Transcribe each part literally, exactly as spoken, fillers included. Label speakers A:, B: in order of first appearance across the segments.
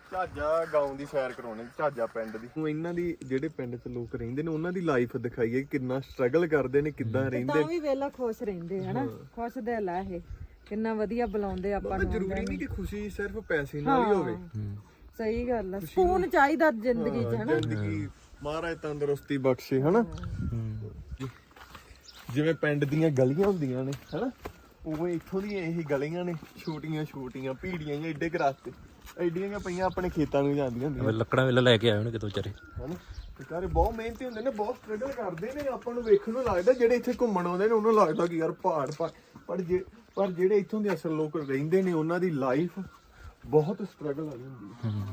A: ਝਾਜਾ ਗਾਉਂ ਦੀ ਸੈਰ ਕਰਾਉਣੀ, ਝਾਜਾ ਪਿੰਡ ਦੀ। ਇਹਨਾਂ ਦੀ ਜਿਹੜੇ ਪਿੰਡ 'ਚ ਲੋਕ ਰਹਿੰਦੇ ਨੇ ਉਹਨਾਂ ਦੀ ਲਾਈਫ ਦਿਖਾਈਏ, ਕਿੰਨਾ ਸਟਰਗਲ ਕਰਦੇ ਨੇ, ਕਿੱਦਾਂ ਰਹਿੰਦੇ।
B: ਤਾਂ ਵੀ ਵੇਲਾ ਖੁਸ਼ ਰਹਿੰਦੇ ਹਨਾ, ਖੁਸ਼ ਦਿਲ ਆ ਇਹ, ਕਿੰਨਾ ਵਧੀਆ ਬੁਲਾਉਂਦੇ ਆਪਾਂ ਨੂੰ।
A: ਜ਼ਰੂਰੀ ਨਹੀਂ ਕਿ ਖੁਸ਼ੀ ਸਿਰਫ ਪੈਸੇ ਨਾਲ ਹੀ ਹੋਵੇ।
B: ਸਹੀ ਗੱਲ ਆ, ਸਕੂਨ ਚਾਹੀਦਾ ਜ਼ਿੰਦਗੀ 'ਚ ਹਨਾ।
A: ਜ਼ਿੰਦਗੀ ਮਹਾਰਾਜ ਤੰਦਰੁਸਤੀ ਬਖਸ਼ੇ ਹਨਾ। ਜਿਵੇਂ ਪਿੰਡ ਦੀਆਂ ਗਲੀਆਂ ਹੁੰਦੀਆਂ ਨੇ ਹਨਾ, ਉਵੇਂ ਇੱਥੋਂ ਦੀਆਂ ਇਹੀ ਗਲੀਆਂ ਨੇ, ਛੋਟੀਆਂ ਛੋਟੀਆਂ ਭੀੜੀਆਂ ਜਾਂ ਏਡੇ ਕੁ ਰਸਤੇ, ਐਡੀਆਂ ਪਈਆਂ ਆਪਣੇ ਖੇਤਾਂ ਨੂੰ ਜਾਂਦੀਆਂ ਹੁੰਦੀਆਂ।
C: ਲੱਕੜਾਂ ਵੇਲੇ ਲੈ ਕੇ ਆਏ ਹੋਣੇ ਕਿਤੋਂ ਵਿਚਾਰੇ
A: ਹਨਾ। ਵਿਚਾਰੇ ਬਹੁਤ ਮਿਹਨਤੀ ਹੁੰਦੇ ਨੇ, ਬਹੁਤ ਸਟਰਗਲ ਕਰਦੇ ਨੇ। ਆਪਾਂ ਨੂੰ ਵੇਖਣ ਨੂੰ ਲੱਗਦਾ, ਜਿਹੜੇ ਇੱਥੇ ਘੁੰਮਣ ਆਉਂਦੇ ਨੇ ਉਹਨਾਂ ਨੂੰ ਲੱਗਦਾ ਕਿ ਯਾਰ ਪਹਾੜ ਪਹਾੜ, ਪਰ ਜੇ ਪਰ ਜਿਹੜੇ ਇੱਥੋਂ ਦੇ ਅਸਲ ਲੋਕ ਰਹਿੰਦੇ ਨੇ ਉਹਨਾਂ ਦੀ ਲਾਈਫ ਬਹੁਤ ਸਟਰਗਲ ਵਾਲੀ ਹੁੰਦੀ ਹੈ।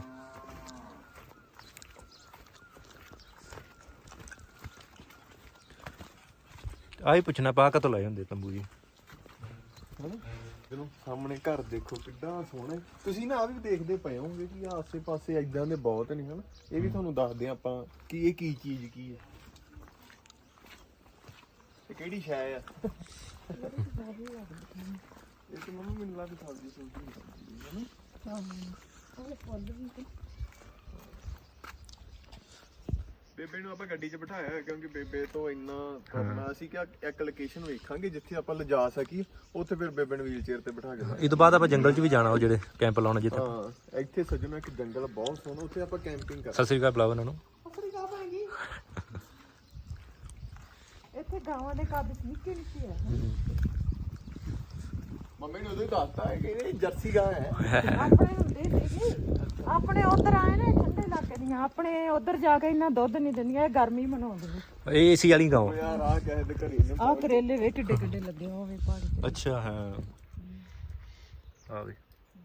C: ਆਹੀ ਪੁੱਛਣਾ ਪਾ ਕਦੋਂ ਲਾਏ ਹੁੰਦੇ ਤੰਬੂ ਜੀ
A: ਹਨਾ। ਜਦੋਂ ਸਾਹਮਣੇ ਘਰ ਦੇਖੋ ਕਿੱਡਾ ਸੋਹਣਾ। ਤੁਸੀਂ ਨਾ ਆ ਵੀ ਦੇਖਦੇ ਪਏ ਹੋਗੇ ਕਿ ਆਸੇ ਪਾਸੇ ਏਦਾਂ ਦੇ ਬਹੁਤ ਨੇ ਹਨਾ। ਇਹ ਵੀ ਤੁਹਾਨੂੰ ਦੱਸਦੇ ਆਪਾਂ ਕਿ ਇਹ ਕੀ ਚੀਜ਼ ਕੀ ਹੈ, ਇਹ ਕਿਹੜੀ ਸ਼ੈ ਆ। ਇਹ ਤਾਂ ਮੰਮੀ ਮੈਨੂੰ ਲੱਗਦਾ ਸਬਜ਼ੀ ਸੁਬਜ਼ੀ ਹਨਾ। ਬੇਬੇ ਨੂੰ ਆਪਾਂ ਗੱਡੀ 'ਚ ਬਿਠਾਇਆ ਹੋਇਆ ਕਿਉਂਕਿ ਬੇਬੇ ਤੋਂ ਇੰਨਾ ਕਰਨਾ ਸੀ ਕਿ ਇੱਕ ਲੋਕੇਸ਼ਨ ਵੇਖਾਂਗੇ ਜਿੱਥੇ ਆਪਾਂ ਲਿਜਾ ਸਕੀਏ, ਉੱਥੇ ਫਿਰ ਬੇਬੇ ਨੂੰ ਵੀਲ ਚੇਅਰ ਤੇ ਬਿਠਾ ਕੇ।
C: ਇਹ ਤੋਂ ਬਾਅਦ ਆਪਾਂ ਜੰਗਲ 'ਚ ਵੀ ਜਾਣਾ, ਉਹ ਜਿਹੜੇ ਕੈਂਪ ਲਾਉਣਾ ਜਿੱਥੇ।
A: ਹਾਂ ਇੱਥੇ ਸੱਜਣਾ ਇੱਕ ਜੰਗਲ ਬਹੁਤ ਸੋਹਣਾ, ਉੱਥੇ ਆਪਾਂ ਕੈਂਪਿੰਗ ਕਰ।
C: ਸਤਿ ਸ੍ਰੀ ਅਕਾਲ ਬੁਲਾਓ ਇਹਨਾਂ ਨੂੰ।
B: ਇੱਥੇ ਗਾਵਾਂ ਦੇ ਕੱਦ ਨਿੱਕੇ ਨਿੱਕੇ ਆ।
A: ਮੰਮੀ ਨੇ ਉਦੋਂ ਹੀ ਦੱਸਤਾ ਹੈ ਕਿ ਇਹ ਜਰਸੀ ਗਾਂ ਹੈ।
B: ਆਪਣੇ ਹੁੰਦੇ ਸੀਗੇ, ਆਪਣੇ ਉਧਰ ਆਏ ਨੇ ਠੰਡੇ ਇਲਾਕੇ ਦੀਆਂ, ਆਪਣੇ ਉਧਰ ਜਾ ਕੇ ਇੰਨਾ ਦੁੱਧ ਨਹੀਂ ਦਿੰਦੀਆਂ, ਇਹ ਗਰਮੀ ਮਨਾਉਂਦੀਆਂ।
C: ਇਹ ਏਸੀ ਵਾਲੀ ਗਾਂ
A: ਯਾਰ ਆ ਕਿਸੇ ਦੇ ਘਰੇ ਨੇ
B: ਆਹ ਕਰੇਲੇ ਵੇ ਕਿੱਡੇ ਕਿੱਡੇ ਲੱਗੇ ਹੋਵੇ ਪਹਾੜੀ ਤੇ।
C: ਅੱਛਾ ਹਾਂ ਆ ਵੀ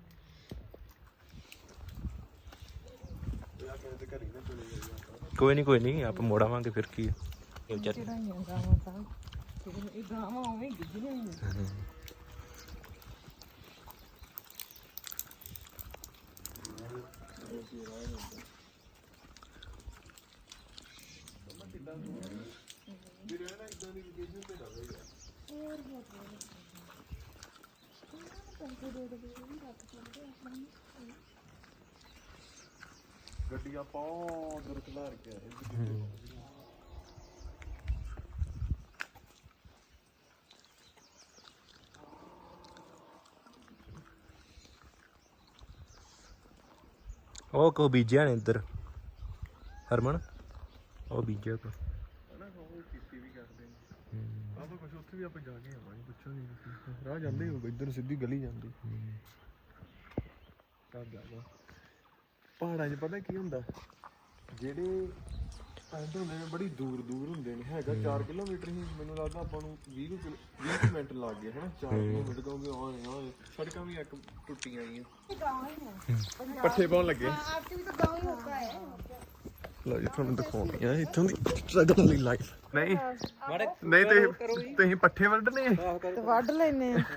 C: ਕੋਈ ਨਹੀਂ ਕੋਈ ਨਹੀਂ ਆਪਾਂ ਮੋੜ ਆਵਾਂਗੇ ਫਿਰ ਕੀ ਹੈ। ਇਹ ਵਿਚਾਰੇ
B: ਚੜਾਈਆਂ ਗਾਵਾਂ ਤਾਂ ਇਹ ਗਾਵਾਂ ਉਵੇਂ ਗਿੱਜੀਆਂ ਹੋਈਆਂ।
A: ਗੱਡੀਆਂ ਬਹੁਤ ਦੂਰ ਖਲਾਰ ਕੇ ਆਏ।
C: ਉਹ ਕੋ ਬੀਜਿਆ ਨੇ ਇੱਧਰ ਹਰਮਨ, ਉਹ ਬੀਜਿਆ ਕੋ
A: ਖੇਤੀ ਵੀ ਕਰਦੇ ਨੇ। ਆਹ ਤਾਂ ਕੁਛ ਉੱਥੇ ਵੀ ਆਪਾਂ ਜਾ ਕੇ ਆਵਾਂਗੇ, ਪੁੱਛਾਂਗੇ ਰਾਹ ਜਾਂਦੇ ਹੋਊਗਾ ਇੱਧਰ ਸਿੱਧੀ ਗਲੀ ਜਾਂਦੀ। ਪਹਾੜਾਂ 'ਚ ਪਤਾ ਕੀ ਹੁੰਦਾ, ਜਿਹੜੇ ਪਿੰਡ ਹੁੰਦੇ ਨੇ ਬੜੀ ਦੂਰ ਦੂਰ ਹੁੰਦੇ ਨੇ, ਹੈਗਾ ਚਾਰ ਕਿਲੋਮੀਟਰ ਹੀ ਮੈਨੂੰ ਲੱਗਦਾ ਆਪਾਂ ਨੂੰ ਵੀਹ ਵੀਹ ਮਿੰਟ ਲੱਗ ਗਏ ਹਨਾ। ਚਾਰ ਕਿਲੋਮੀਟਰ ਕਹੋਗੇ ਆਏ ਆਏ, ਸੜਕਾਂ ਵੀ ਇੱਕ ਟੁੱਟੀਆਂ ਆਈਆਂ। ਪੱਠੇ ਪਾਉਣ ਲੱਗੇ। ਲਓ ਜੀ ਤੁਹਾਨੂੰ ਦਿਖਾਉਂਦੇ ਆ ਇੱਥੋਂ ਦੀ ਸਟਰਗਲ ਵਾਲੀ ਲਾਈਫ। ਨਹੀਂ ਨਹੀਂ ਤੁਸੀਂ ਤੁਸੀਂ ਪੱਠੇ ਵੱਢਣੇ ਆ
B: ਤੇ ਵੱਢ ਲੈਨੇ ਆ।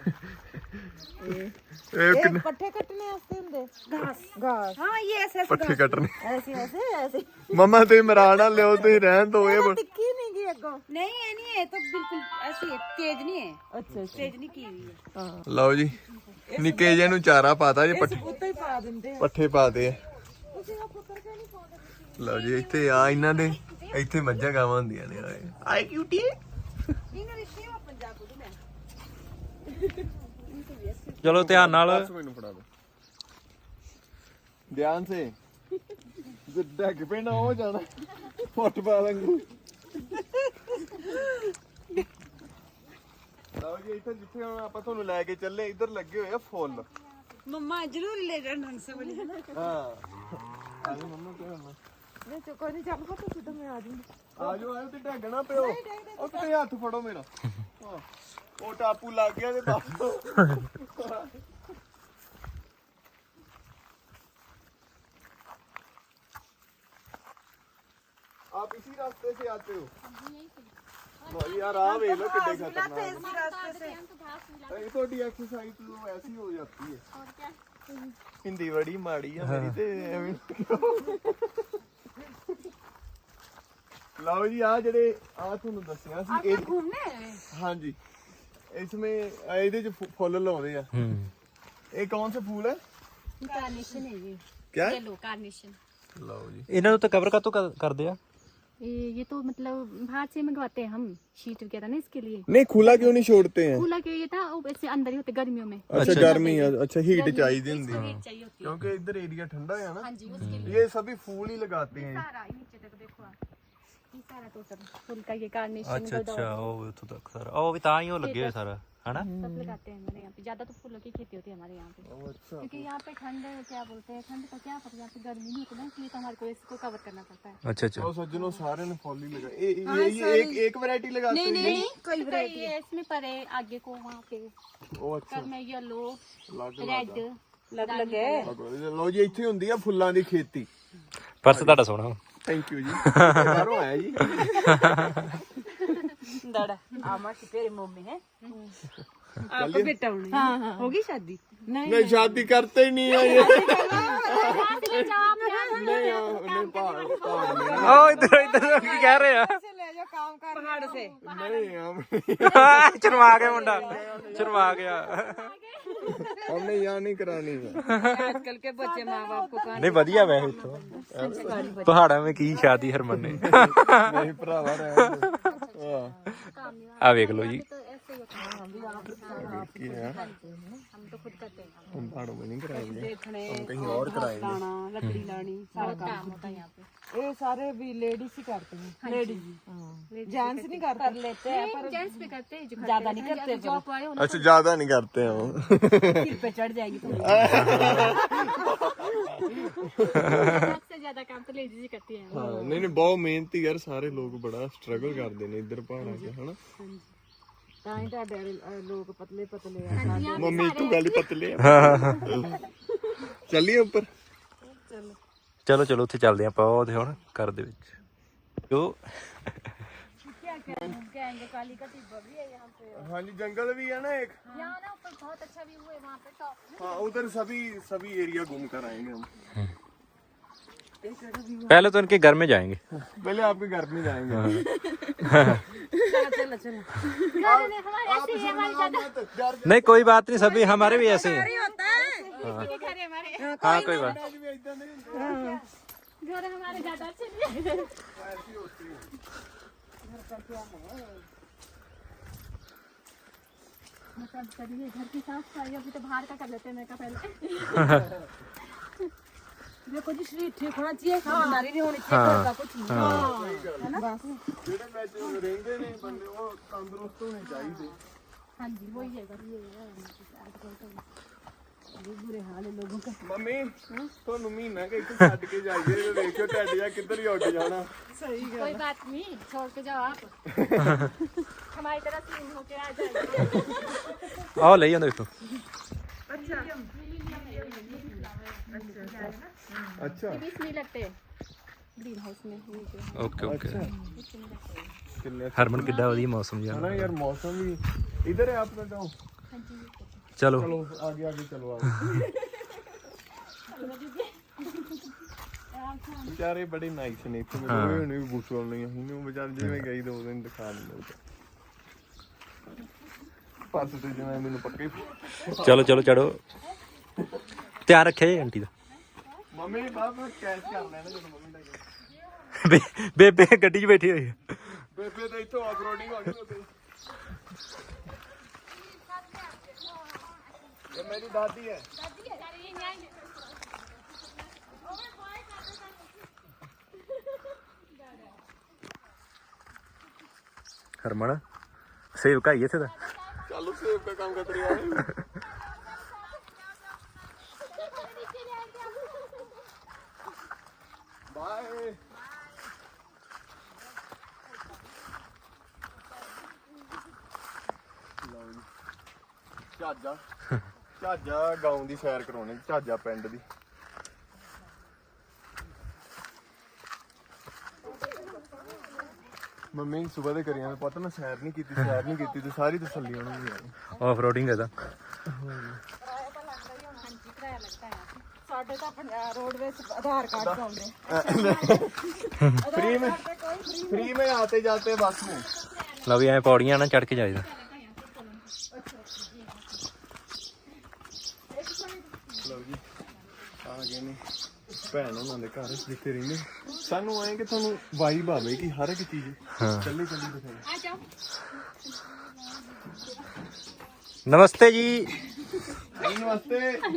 A: ਇਹ
B: ਇਹ ਪੱਠੇ ਕੱਟਣੇ ਵਾਸਤੇ ਹੁੰਦੇ ਘਾਸ ਘਾਸ। ਹਾਂ ਇਹ ਐਸੇ
A: ਪੱਠੇ ਕੱਟਣੇ
B: ਐਸੇ ਐਸੇ ਐਸੇ।
A: ਮਮਾ ਤੁਸੀਂ ਮਰਾਣਾ ਲਿਓ, ਤੁਸੀਂ ਰਹਿਣ ਦੋ। ਇਹ
B: ਟਿੱਕੀ ਨਹੀਂ ਗਈ ਅੱਗੋਂ।
D: नहीं ये नहीं है तो बिल्कुल ऐसी है, तेज नहीं है।
B: ਅੱਛਾ
D: तेज नहीं की हुई है।
B: ਹਾਂ
A: ਲਓ ਜੀ ਨਿੱਕੇ ਜਿਹੇ ਨੂੰ ਚਾਰਾ ਪਾਤਾ ਜੀ, ਪੱਠੇ
B: ਉੱਤੇ ਹੀ ਪਾ ਦਿੰਦੇ ਆ।
A: ਪੱਠੇ ਪਾਤੇ ਆ।
B: ਤੁਸੀਂ ਆ ਪੁੱਤਰ ਕਿਉਂ ਨਹੀਂ ਪਾਉਂਦੇ?
A: ਲਓ ਜੀ ਇੱਥੇ ਆ ਇਹਨਾਂ ਦੇ ਇੱਥੇ ਮੱਝਾਂ ਗਾਵਾਂ ਹੁੰਦੀਆਂ ਨੇ। ਆਏ ਆਏ ਕਿਊਟੀ।
D: इंग्लिश नहीं वो पंजाब को मैं
C: ਚਲੋ ਧਿਆਨ ਨਾਲ।
A: ਮੈਨੂੰ ਫੜਾ ਦੋ ਧਿਆਨ ਸੇ। ਜਿੱਦਾਂ ਕਿ ਪੈਣਾ ਹੋ ਜਾਣਾ ਫੁੱਟਬਾਲ ਵਾਂਗੂ। ਲਓ ਜੀ ਇੱਥੇ ਜਿੱਥੇ ਹੁਣ ਆਪਾਂ ਤੁਹਾਨੂੰ ਲੈ ਕੇ ਚੱਲੇ, ਇੱਧਰ ਲੱਗੇ ਹੋਏ ਆ ਫੁੱਲ।
D: मम्मा जरूर ले जाना ढंग से बोली है ना।
A: ਹਾਂ ਆਜੋ ਮੰਮਾ ਤੇ ਹੁਣ
B: ਨਹੀਂ ਚੋ ਕੋਈ ਨਹੀਂ, ਚੱਲ ਪੁੱਤ ਸਿੱਧਾ ਮੈਂ ਆ ਜੂੰਗੀ।
A: ਆਜੋ ਆਜੋ ਤੇ ਢੱਗਣਾ ਪਿਓ। ਉਹ ਤੇ ਹੱਥ ਫੜੋ ਮੇਰਾ। ਹਾਂ ਉਹ ਟਾਪੂ ਲੱਗ ਗਿਆ ਤੇ ਦੱਸ। आप इसी रास्ते से आते हो? यार आ वे लो कितने खतरनाक है। ये थोड़ी एक्सरसाइज तो ऐसी हो जाती है। और क्या हिंदी बड़ी माड़ी है मेरी ते ਲਓ ਜੀ ਆ ਜਿਹੜੇ ਆ ਤੁਹਾਨੂੰ ਦੱਸਿਆ ਸੀ ਇਹ
D: घूमने
A: ਹਾਂਜੀ इसमें ਇਹਦੇ ਚ ਫੁੱਲ ਲਾਉਂਦੇ ਆ।
C: ਹੂੰ
A: ਇਹ ਕੌਣ ਸੇ ਫੂਲ ਹੈ?
D: कार्नेशन है ये।
A: क्या
E: ये लो कार्नेशन।
A: लो जी
C: ਇਹਨਾਂ ਨੂੰ ਤਾਂ ਕਵਰ ਕਾਤੋਂ ਕਰ- ਕਰਦੇ ਆ
E: ये ये तो मतलब बाहर से मंगवाते हैं हम शीट वगैरह ना इसके लिए।
A: नहीं खुला क्यों नहीं छोड़ते हैं
E: कूलर के ये था वो ऐसे अंदर ही होते गर्मियों में।
A: अच्छा गर्मी है अच्छा हीट चाहिए होती है
E: हीट चाहिए होती है।
A: क्योंकि इधर एरिया ठंडा है ना
E: हाँ जी उसके लिए
A: ये सभी फूल ही लगाते हैं
E: सारा ये नीचे तक देखो आप, ये सारा टोटल फुल का ये कार्नेशन
C: ਅੱਛਾ ਅੱਛਾ ਉਹ ਉੱਥੋਂ ਤੱਕ ਸਾਰਾ ਉਹ ਵੀ ਤਾਂ ਹੀ ਉਹ ਲੱਗੇ ਹੋਏ ਸਾਰਾ ਹਨਾ
E: सब लगाते हैं हमारे यहाँ पे। ज्यादा तो फूलों की खेती होती है हमारे यहाँ पे,
A: अच्छा
E: क्योंकि यहाँ पे ठंड क्या बोलते हैं, ठंड का क्या पता, यहाँ पे गर्मी नहीं होती ना, इसलिए तो हमारे को इसको कवर करना पड़ता है।
C: ਅੱਛਾ ਅੱਛਾ
A: और सज्जनों सारे ने फॉल ही लगा ये ये ये एक एक वैरायटी लगाते हैं
E: नहीं कोई वैरायटी है इसमें, पर है आगे को वहाँ पे
A: ओ अच्छा
E: कर में येलो
A: ਲੱਗ
E: रेड
B: ਲੱਗ ਲੱਗੇ
A: ਲੋ ਜੀ ਇੱਥੇ ਹੁੰਦੀ ਆ ਫੁੱਲਾਂ ਦੀ ਖੇਤੀ
C: ਪਰਸ ਤੁਹਾਡਾ ਸੋਹਣਾ
A: ਥੈਂਕ ਯੂ ਜੀ ਬਾਹਰੋਂ ਆਇਆ ਜੀ
D: दड़ा आमा की तेरे मुंह में है आपको बेटा होने हाँ हाँ होगी शादी
A: नहीं शादी करते ही नहीं है ये
E: ले जाओ आप यहाँ।
A: नहीं नहीं पहाड़ पहाड़ में
C: ਉਹ ਇਧਰ ਇਧਰ ਕੀ ਕਹਿ ਰਹੇ ਆ
B: ਲੈ ਜਾ ਕੰਮ ਕਰ
D: पहाड़ से
A: नहीं हम
C: ਸ਼ਰਮਾ ਗਿਆ ਮੁੰਡਾ ਸ਼ਰਮਾ ਗਿਆ
A: हमने यहाँ नहीं करानी है
D: आजकल के बच्चे माँ बाप को कहा
C: ਨਹੀਂ ਵਧੀਆ ਵੈਸੇ ਇੱਥੋਂ ਪਹਾੜਾਂ ਵਿੱਚ ਕੀ ਸ਼ਾਦੀ ਹਰਮਨ ਨੇ
A: नहीं भरावा रहे हां
C: ਆ ਵੇਖ ਲਓ ਜੀ
E: तो ऐसे ही होता है,
A: की है
E: हम तो खुद करते हैं,
A: हम पहाड़ों में नहीं कराएंगे
D: देखने
A: हम कहीं और कराएंगे
D: लाना लकड़ी लानी सारा काम
E: काम होता है यहाँ पे।
B: ਇਹ ਸਾਰੇ ਵੀ ਲੇਡੀਜ਼ ਹੀ करते हैं लेडीज जेंट्स नहीं करते
D: कर लेते हैं
E: नहीं, जेंट्स भी करते हैं, जो
D: ज्यादा नहीं करते
E: जॉब वाले हो ना,
A: अच्छा ज्यादा नहीं करते हैं वो
D: सिर पे चढ़ जाएगी तो
E: सबसे ज्यादा काम तो लेडीज ही करती हैं।
A: हाँ नहीं नहीं बहुत मेहनती यार सारे लोग बड़ा स्ट्रगल करते हैं इधर पहाड़ों के है ना
B: ਤਾਂ ਹੀ ਤੁਹਾਡੇ ਵਾਲੇ ਲੋਕ ਪਤਲੇ ਪਤਲੇ ਆ
A: मम्मी तू गाली पतले है चलिए ऊपर
C: ਚਲੋ ਚਲੋ ਉੱਥੇ ਚੱਲਦੇ ਆਪਾਂ ਉਹਦੇ ਹੁਣ ਘਰ ਦੇ ਵਿੱਚ ਜੋ
E: क्या कहेंगे, काली का टिब्बा भी है यहाँ पे।
A: हाँ जी जंगल भी है ना एक
E: यहाँ ना ऊपर बहुत अच्छा व्यू है वहाँ पे टॉप में।
A: हाँ उधर सभी सभी एरिया घूम कर आएंगे हम
C: पहले तो इनके घर में जाएंगे
A: पहले आपके घर में जाएंगे
D: चलो चलो
E: घर में हमारे ऐसे ही है, हमारे ज्यादा
C: नहीं कोई बात नहीं सभी हमारे भी ऐसे हैं
E: किसी के घर है हमारे,
C: हाँ कोई बात
E: घर हमारे ज्यादा अच्छे नहीं है। मतलब करिए घर की साफ सफाई, अभी तो बाहर का कर लेते हैं, मैं का पहले
D: देखो जी शरीर ठीक होना चाहिए बीमारी नहीं होनी चाहिए घर का कुछ नहीं
A: ਜਿਹੜੇ ਵਿੱਚ ਰਹਿੰਦੇ ਨੇ ਬੰਦੇ ਉਹ ਤੰਦਰੁਸਤ ਹੋਣੇ ਚਾਹੀਦੇ
E: हाँ जी वही है बस ये है आजकल तो
D: बुरे हाल है लोगों का
A: ਮੰਮੀ ਤੁਹਾਨੂੰ ਮਹੀਨਾ ਕਿ ਇੱਥੇ ਛੱਡ ਕੇ ਜਾਈਏ ਤੇ ਵੇਖਿਓ ਟੱਡ ਜਾ ਕਿੱਧਰ ਹੀ ਉੱਡ ਜਾਣਾ
E: कोई बात नहीं, छोड़ के जाओ आप हमारी तरह सीन होके आ जाएगी।
C: आओ ले जाओ देखो
A: ਅੱਛਾ
E: ये भी इसमें लगते हैं ग्रीन हाउस में नीचे।
C: ओके ओके
A: ਕਿੰਨੇ
C: हरमन किड्डा ਵਧੀਆ मौसम जी
A: ਨਾ ਯਾਰ ਮੌਸਮ ਵੀ इधर है आपका गांव
C: चलो
A: चलो आगे आगे चलो आगे बेचारे बड़े नाइस ने इतने लोग ने भी बुसोल नहीं हूं बेचारे जिवें गई दो दिन दिखा दिंदे पास ते जिवें मैनू पक्के
C: चलो चलो चढ़ो ध्यान रखे जी आंटी का
A: मम्मी बाबा कैश कर लेना जब मम्मी ਦਾ
C: बे- बेबे गड्डी 'ਚ बैठी हुई है
A: ਬੇਬੇ ਤਾਂ ਇੱਥੋਂ ਆਫਰੋਡਿੰਗ ਹੋ ਗਈ ਉੱਥੇ ਇਹ ਮੇਰੀ ਦਾਦੀ ਹੈ
C: हरमन सेब का ही थे
A: चालू सेब का काम कर रही है बाय ਝਾਜਾ ਝਾਜਾ ਗਾਉਂ ਦੀ ਸੈਰ ਕਰਾਉਣੀ ਝਾਜਾ ਪਿੰਡ ਦੀ ਮੰਮੀ ਸਵੇਰ ਦੇ ਕਰੀਆਂ ਪਤਾ ਮੈਂ ਸੈਰ ਨਹੀਂ ਕੀਤੀ ਸੈਰ ਨਹੀਂ ਕੀਤੀ ਤੇ ਸਾਰੀ ਤਸੱਲੀ ਉਹਨਾਂ ਦੀ ਆਈ
C: ऑफ रोडिंग है
B: ਸਾਡੇ ਤਾਂ ਰੋਡਵੇਜ਼ ਆਧਾਰ ਕਾਰਡ ਪਾਉਂਦੇ
A: फ्री में फ्री में आते जाते बस में
C: लो भी ऐ पौड़ियां ना चढ़ के जाइए
A: लो जी आ गए ने ਭੈਣ ਉਹਨਾਂ ਦੇ ਘਰ ਜਿੱਥੇ ਰਹਿੰਦੇ ਸਾਨੂੰ ਆਏ ਕਿ ਤੁਹਾਨੂੰ ਵਾਈਬ ਆਵੇ ਕਿ ਹਰ ਇੱਕ ਚੀਜ਼ ਚੱਲੇ ਚੱਲੀ ਦਿਖਾਈ।
E: आ जाओ।
C: नमस्ते जी।
A: नमस्ते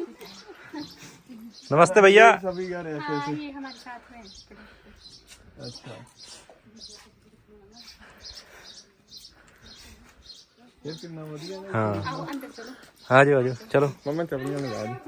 C: नमस्ते भैया।
A: सभी यार ऐसे
E: हाँ,
A: ऐसे
E: ये हमारे साथ में है।
A: अच्छा ये कितना बढ़िया है।
C: हाँ
E: आओ अंदर चलो।
C: आ जाओ आ जाओ चलो।
A: मम्मा चपलियां लगा दी।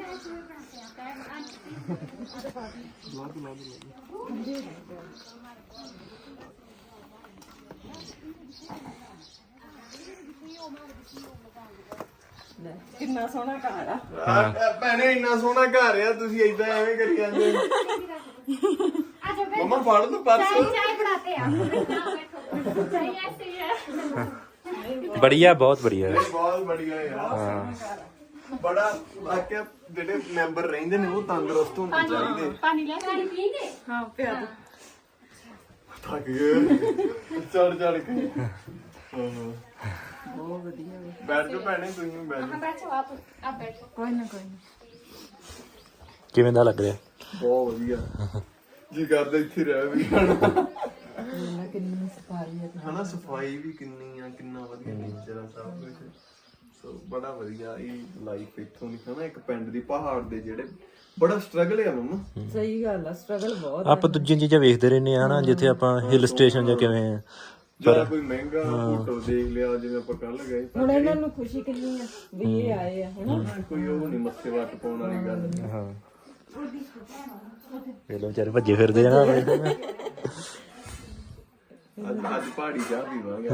B: ਕਿੰਨਾ ਸੋਹਣਾ ਘਰ ਆ।
A: ਭੈਣੇ ਇੰਨਾ ਸੋਹਣਾ ਘਰ ਆ ਤੁਸੀਂ ਏਦਾਂ ਐਵੇਂ ਕਰੀ ਜਾਂਦੇ
E: आ जाओ बैठो।
A: ਮਮਾ ਫੜ ਲਓ ਪਰਸ
E: चाय चाय बनाते हैं आप। बैठो बैठो। चाय ऐसे ही है।
C: बढ़िया बहुत बढ़िया है।
A: ਬਹੁਤ ਬੜੀਆ ਯਾਰ ਬੜਾ ਵਾਕਿਆ ਜਿਹੜੇ ਮੈਂਬਰ ਰਹਿੰਦੇ ਨੇ ਉਹ ਤੰਦਰੁਸਤ ਹੋਣੇ ਚਾਹੀਦੇ
E: पानी ले पानी पिएंगे?
B: ਹਾਂ ਪਿਆ ਦੋ।
A: ਥੱਕ ਗਏ ਚੜ ਚੜ ਕੇ ਹਾਂ
B: ਬਹੁਤ ਵਧੀਆ ਵੇ।
A: ਬੈਠ ਜਾਓ ਭੈਣੇ ਤੁਸੀਂ ਵੀ ਬੈਠ
E: हाँ बैठो आप आप बैठो।
B: ਕੋਈ ਨਾ ਕੋਈ ਨਾ।
C: किवें दा लग रहा है?
A: ਬਹੁਤ ਵਧੀਆ ਜੀ ਕਰਦਾ ਇੱਥੇ ਰਹਿ ਵੀ ਹਨਾ
B: ਇਹਨਾਂ ਕਿੰਨੀ ਸਫਾਈ ਹੈ।
A: ਹਨਾ ਸਫਾਈ ਵੀ ਕਿੰਨੀ ਆ ਕਿੰਨਾ ਵਧੀਆ ਨੇਚਰ ਆ ਸਭ ਕੁਝ ਸੋ ਬੜਾ ਵਧੀਆ ਇਹ ਲਾਈਫ ਇੱਥੋਂ ਦੀ ਹਨਾ ਇੱਕ ਪਿੰਡ ਦੀ ਪਹਾੜ ਦੇ ਜਿਹੜੇ ਬੜਾ ਸਟਰਗਲ ਆ ਮੰਮਾ
B: ਸਹੀ ਗੱਲ ਆ ਸਟਰਗਲ ਬਹੁਤ
C: ਆਪਾਂ ਦੂਜੀਆਂ ਚੀਜ਼ਾਂ ਵੇਖਦੇ ਰਹਿੰਦੇ ਆ ਨਾ ਜਿੱਥੇ ਆਪਾਂ ਹਿਲ ਸਟੇਸ਼ਨ ਜਾਂ ਕਿਵੇਂ ਆ।
A: ਜਾਂ ਕੋਈ ਮਹਿੰਗਾ ਹੋਟਲ ਦੇਖ ਲਿਆ ਜਿਵੇਂ ਆਪਾਂ ਕੱਲ ਗਏ
B: ਹੁਣ ਇਹਨਾਂ ਨੂੰ ਖੁਸ਼ੀ ਕਿੰਨੀ ਆ ਵੀ ਇਹ ਆਏ ਆ ਹਨਾ।
A: ਕੋਈ ਉਹ ਨਹੀਂ ਮੱਥੇ ਵੱਟ ਪਾਉਣ ਵਾਲੀ ਗੱਲ ਨੀ।
C: ਹਾਂ ਇਹ ਲੋ ਵਿਚਾਰੇ ਭੱਜੇ ਫਿਰਦੇ ਆ ਨਾ।
A: ਅੱਜ ਅੱਜ ਪਹਾੜੀ ਚਾਹ ਪੀਵਾਂਗੇ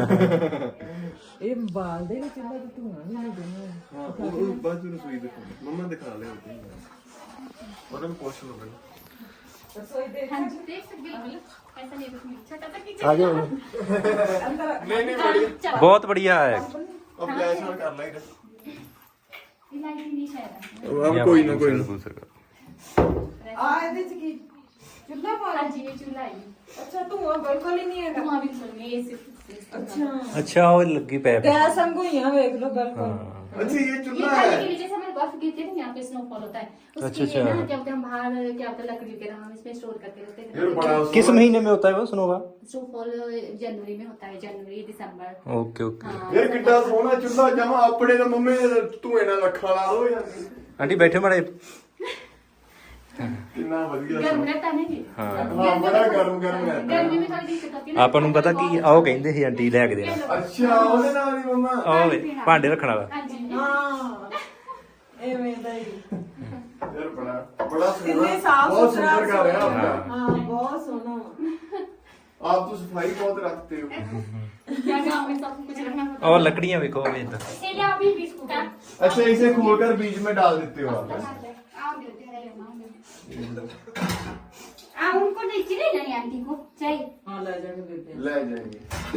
B: ਇਹ ਬਾਲ ਦੇ ਵਿੱਚ ਇਹਨਾਂ ਦਾ ਧੂਆਂ ਵੀ ਨਹੀਂ ਦੇਣਾ।
A: ਹਾਂ ਉਹ ਉਹ ਬਾਅਦ ਵਿੱਚ ਰਸੋਈ ਦਿਖਾ ਮੰਮਾ ਦਿਖਾ ਲਿਆ ਉੱਥੇ ਉਹਨਾਂ ਨੂੰ ਪੁੱਛ ਲਓ ਪਹਿਲਾਂ
B: ਰਸੋਈ ਦੇ
E: हाँ जी देख सकते हो बिल्कुल ऐसा नहीं कुछ छोटा सा किचन।
C: आ जाओ।
A: ਨਹੀਂ ਨਹੀਂ ਬੜੀ
C: बहुत बढ़िया है।
A: ਉਹ ਫਲੈਸ਼ ਨਾਲ ਕਰ ਲਾਈਟ
E: लाइट नहीं शायद।
A: ਉਹ ਕੋਈ ਨਾ ਕੋਈ ਨਾ
B: ਆ ਇਹਦੇ ਚ ਕੀ ਚੁੱਲ੍ਹਾ ਪਾ
E: हाँ जी ये चूल्हा है।
B: ਅੱਛਾ ਧੂਆਂ ਬਿਲਕੁਲ ਹੀ ਨਹੀਂ ਹੈਗਾ।
E: धुआं बिल्कुल नहीं ये सिर्फ
B: ਅੱਛਾ
C: अच्छा वो लगी पैप।
B: ਗੈਸ ਵਾਂਗੂ ਹੀ ਆ ਵੇਖ ਲਓ ਬਿਲਕੁਲ।
A: अच्छा ये
E: ये
A: चूल्हा
E: खाने
A: है
E: के लिए जैसे हमारे बर्फ गिरती है ना यहाँ पे स्नोफॉल होता है उसके
C: अच्छा,
E: लिए ना
C: अच्छा।
E: क्या बोलते हैं हम बाहर क्या बोलते हैं लकड़ी वगैरह हम इसमें स्टोर करते रहते
A: यार बड़ा
E: हैं।
C: किस महीने में होता है वो स्नोवा?
E: स्नोफॉल जनवरी में होता है जनवरी दिसंबर।
C: Okay okay.
E: हाँ
A: यार कितना सोहना चूल्हा जमा अपने तो मम्मी धुएं ਨਾਲ ਲੱਖਾਂ ਲਾ ਲੋ ਜਾਂਦੀ
C: आंटी बैठे माड़े।
A: ਕਿੰਨਾ ਵਧੀਆ
E: गर्म रहता है ना जी।
C: हाँ।
A: ਹਾਂ ਬੜਾ ਗਰਮ ਗਰਮ ਰਹਿੰਦਾ
E: गर्मी में थोड़ी दिक्कत होती है ना।
C: ਆਪਾਂ ਨੂੰ ਪਤਾ ਕੀ ਆਓ ਕਹਿੰਦੇ ਸੀ ਆਂਟੀ ਲੈ ਕੇ ਦੇਣਾ।
A: ਅੱਛਾ ਉਹਦੇ ਨਾਲ ਹੀ ਮੰਮਾ
C: ਆਹ ਵੇ ਭਾਂਡੇ ਰੱਖਣ ਵਾਲਾ।
E: हाँ जी
B: ਹਾਂ ਐਵੇਂ ਦਾ ਹੀ।
A: ਯਾਰ ਬੜਾ ਬੜਾ
B: ਕਿੰਨੇ
A: ਸੋਹਣਾ
B: ਸਾਫ
A: ਬਹੁਤ
B: ਸੁਥਰਾ
A: ਸੁੰਦਰ ਕਰ ਰਿਹਾ ਆਪਣਾ
B: ਹਾਂ ਬਹੁਤ ਸੋਹਣਾ ਵਾ।
A: आप तो सफाई बहुत रखते हो
E: क्या गाँव में सब कुछ रखना होता
C: और लकड़ियां देखो वे इधर।
E: है। इसीलिए अभी बिस्कुट है।
A: अच्छा इसे खोलकर बीज में डाल देते हो आप
E: आओ देते हैं आ उनको नहीं चाहिए ना आंटी को चाहिए
B: ਹਾਂ ਲੈ ਜਾਗੇ ਬੇਬੇ।
A: ले जाएंगे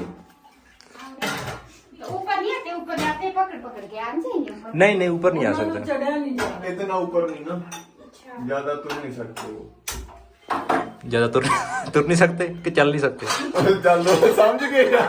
E: तो ऊपर नहीं आते ऊपर जाते हैं पकड़ पकड़ के आ जाएंगे ऊपर।
C: नहीं नहीं ऊपर नहीं आ
B: ਉਹਨਾਂ ਨੂੰ
C: सकता।
B: ਚੜਿਆ ਨਹੀਂ ਜਾਣਾ।
A: इतना ऊपर नहीं ना ज्यादा तुम नहीं सकते हो
C: ज्यादा तुर तुर नहीं सकते कि चल नहीं सकते।
A: चलो समझ गए यार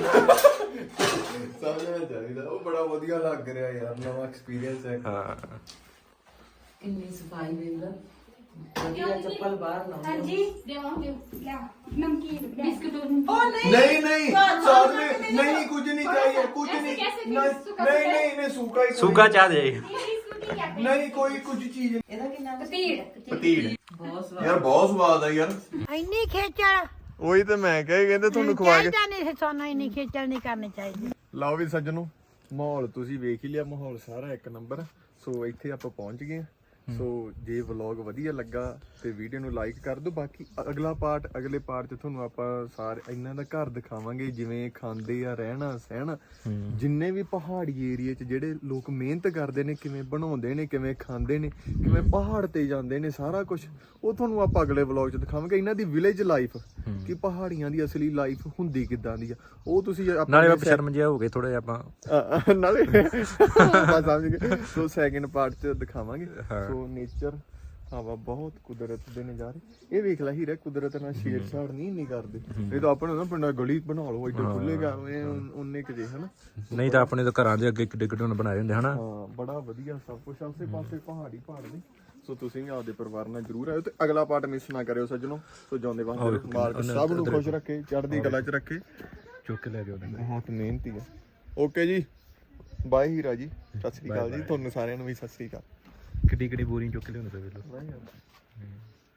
A: समझना चाहिए वो बड़ा ਵਧੀਆ ਲੱਗ ਰਿਹਾ ਯਾਰ ਨਵਾਂ ਐਕਸਪੀਰੀਅੰਸ ਹੈ
C: हाँ
B: ਕਿੰਨੀ ਸਫਾਈ ਵੇਖ ਲੈ। ਵਧੀਆ ਚੱਪਲ ਬਾਹਰ
E: हाँ
B: ਲਾਉਂਦੇ।
E: जी देवाओ दे क्या नमकीन बिस्कुट
B: ਉਹ ਨਹੀਂ
A: नहीं नहीं साथ में नहीं कुछ नहीं चाहिए कुछ
E: ऐसे
A: नहीं
E: कैसे
A: नहीं
E: सूखा
A: नहीं नहीं नहीं सूखा ही
C: सूखा चाह दे।
A: नहीं कोई कुछ चीज
B: ਇਹਦਾ ਕੀ ਨਾਮ ਹੈ?
E: पतीड़
A: ਪਤੀੜ
B: ਬਹੁਤ ਸਵਾਦ।
A: ਯਾਰ ਬਹੁਤ ਸਵਾਦ ਆ ਯਾਰ
F: ਇੰਨੀ ਖੇਚਲ
A: ਉਹੀ ਤੇ ਮੈਂ ਕਹੇ ਕਹਿੰਦੇ ਤੁਹਾਨੂੰ ਖਵਾ ਕੇ
F: ਚਾਹੀਦਾ ਨਹੀਂ ਸਾਨੂੰ ਇੰਨੀ ਖੇਚਲ ਨਹੀਂ ਕਰਨੀ ਚਾਹੀਦੀ।
A: ਲਓ ਵੀ ਸੱਜਣੋ ਮਾਹੌਲ ਤੁਸੀਂ ਵੇਖ ਹੀ ਲਿਆ ਮਾਹੌਲ ਸਾਰਾ ਇੱਕ ਨੰਬਰ ਸੋ ਇੱਥੇ ਆਪਾਂ ਪਹੁੰਚ ਗਏ ਹਾਂ। ਸੋ ਜੇ ਵਲੌਗ ਵਧੀਆ ਲੱਗਾ ਤੇ ਵੀਡੀਓ ਨੂੰ ਲਾਈਕ ਕਰ ਦਿਓ ਬਾਕੀ ਅਗਲਾ ਪਾਰਟ ਅਗਲੇ ਪਾਰਟ 'ਚ ਤੁਹਾਨੂੰ ਆਪਾਂ ਸਾਰੇ ਇਹਨਾਂ ਦਾ ਘਰ ਦਿਖਾਵਾਂਗੇ ਜਿਵੇਂ ਖਾਂਦੇ ਆ ਰਹਿਣਾ ਸਹਿਣਾ ਜਿੰਨੇ ਵੀ ਪਹਾੜੀ ਏਰੀਏ 'ਚ ਜਿਹੜੇ ਲੋਕ ਮਿਹਨਤ ਕਰਦੇ ਨੇ ਕਿਵੇਂ ਬਣਾਉਂਦੇ ਨੇ ਕਿਵੇਂ ਖਾਂਦੇ ਨੇ ਕਿਵੇਂ ਪਹਾੜ ਤੇ ਜਾਂਦੇ ਨੇ ਸਾਰਾ ਕੁਝ ਉਹ ਤੁਹਾਨੂੰ ਆਪਾਂ ਅਗਲੇ ਵਲੌਗ 'ਚ ਦਿਖਾਵਾਂਗੇ ਇਹਨਾਂ ਦੀ ਵਿਲੇਜ ਲਾਈਫ ਕਿ ਪਹਾੜੀਆਂ ਦੀ ਅਸਲੀ ਲਾਈਫ ਹੁੰਦੀ ਕਿੱਦਾਂ ਦੀ ਆ ਉਹ ਤੁਸੀਂ
C: ਨਾਲੇ ਆਪ ਸ਼ਰਮ ਜਿਹਾ ਹੋ ਗਏ ਥੋੜੇ ਆਪਾਂ।
A: ਅ- ਨਾਲੇ ਬਸ ਸਮਝ ਗਏ ਸੋ ਸੈਕਿੰਡ ਪਾਰਟ 'ਚ ਦਿਖਾਵਾਂਗੇ ਸੋ ਨੇਚਰ ਹਵਾ ਬਹੁਤ ਕੁਦਰਤ ਦੇ ਨਜ਼ਾਰੇ ਇਹ ਵੇਖ ਲੈ ਹੀਰਾ ਕੁਦਰਤ ਨਾਲ ਛੇੜਛਾੜ ਨਹੀਂ ਨਹੀਂ ਕਰਦੇ ਇਹ ਤਾਂ ਆਪਣੇ ਨਾ ਪਿੰਡਾਂ ਗਲੀ ਬਣਾ ਲਓ ਇੱਡੇ ਖੁੱਲੇ ਕਰਵੇਂ ਉਹਨੇ ਕਿ ਜੇ ਹਨਾ
C: ਨਹੀਂ ਤਾਂ ਆਪਣੇ ਤਾਂ ਘਰਾਂ ਦੇ ਅੱਗੇ ਕਿੱਡੇ ਕਿੱਡੇ ਬਣਾਏ ਹੁੰਦੇ ਹਨਾ।
A: ਹਾਂ ਬੜਾ ਵਧੀਆ ਸਭ ਕੁਝ ਆਸੇ ਪਾਸੇ ਪਹਾੜੀ ਪਹਾੜ ਨੇ ਸੋ ਤੁਸੀਂ ਵੀ ਆਪਦੇ ਪਰਿਵਾਰ ਨਾਲ ਜਰੂਰ ਆਇਓ ਤੇ ਅਗਲਾ ਪਾਰਟ ਮਿਸ ਨਾ ਕਰਿਓ ਸੱਜਣੋ। ਸੋ ਜਾਂਦੇ ਵਾਂਗ ਮਾਲਕ ਸਭ ਨੂੰ ਖੁਸ਼ ਰੱਖੇ, ਚੜ੍ਹਦੀ ਕਲਾ 'ਚ ਰੱਖੇ।
C: ਚੁੱਕ ਕੇ ਲੈ ਕੇ ਉਹਨੇ
A: ਬਹੁਤ ਮਿਹਨਤੀ ਆ। ਓਕੇ ਜੀ, ਬਾਏ ਹੀਰਾ ਜੀ, ਸਤਿ ਸ੍ਰੀ ਅਕਾਲ ਜੀ। ਤੁਹਾਨੂੰ ਸਾਰਿਆਂ ਨੂੰ ਵੀ ਸਤਿ ਸ੍ਰੀ ਅਕਾਲ।
C: ਕਿੱਡੀ ਕਿੱਡੀ ਬੋਰੀਆਂ ਚੁੱਕ ਕੇ ਲਿਆਉਂਦੇ ਪਏ ਵੇਲੋ।